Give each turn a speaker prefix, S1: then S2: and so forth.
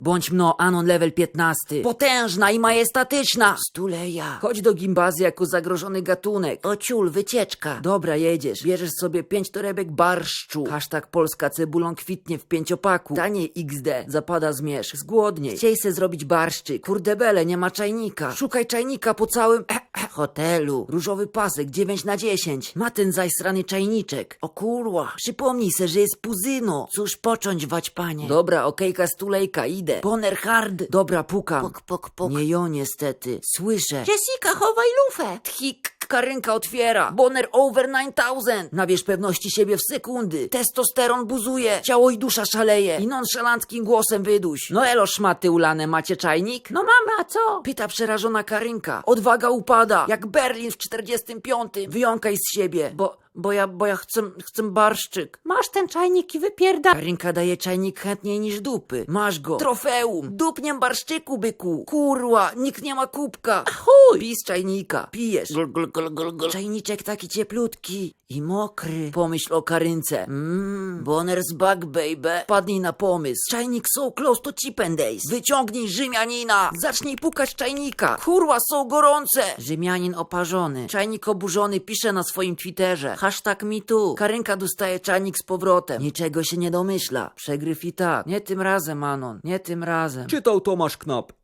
S1: Bądź mno Anon level 15. Potężna i majestatyczna. Stuleja. Chodź do gimbazy jako zagrożony gatunek. O ciul, wycieczka. Dobra, jedziesz. Bierzesz sobie 5 torebek barszczu. Hashtag Polska cebulą kwitnie w 5-paku. Taniej XD. Zapada zmierzch. Zgłodniej. Chciej se zrobić barszczyk. Kurde bele, nie ma czajnika. Szukaj czajnika po całym hotelu. Różowy pasek 9/10. Ma ten zajsrany czajniczek. O kurwa. Przypomnij se, że jest puzyno. Cóż począć wać, panie. Dobra, okejka stulejka, idę. Boner hard. Dobra, pukam.
S2: Puk, puk, puk.
S1: Nie jo, niestety. Słyszę.
S2: Jessica, chowaj lufę.
S1: Tchik, Karynka otwiera. Boner over 9000. Nabierz pewności siebie w sekundy. Testosteron buzuje. Ciało i dusza szaleje. I nonszalanckim głosem wyduś. No elo, szmaty ulane, macie czajnik?
S2: No mamy, a co?
S1: Pyta przerażona Karynka. Odwaga upada. Jak Berlin w 45. Wyjąkaj z siebie. Bo ja chcę barszczyk.
S2: Masz ten czajnik i wypierda...
S1: Karynka daje czajnik chętniej niż dupy. Masz go. Trofeum. Dupniem barszczyku, byku. Kurwa, nikt nie ma kubka.
S2: Chuj!
S1: Pij z czajnika. Pijesz. Czajniczek taki cieplutki i mokry. Pomyśl o Karynce. Boner's back, baby. Padnij na pomysł. Czajnik so close to chip and days. Wyciągnij Rzymianina. Zacznij pukać czajnika. Kurwa, są gorące. Rzymianin oparzony. Czajnik oburzony pisze na swoim Twitterze. Hashtag #MeToo. Karynka dostaje czajnik z powrotem. Niczego się nie domyśla. Przegryw i tak. Nie tym razem, Anon. Nie tym razem.
S3: Czytał Tomasz Knap.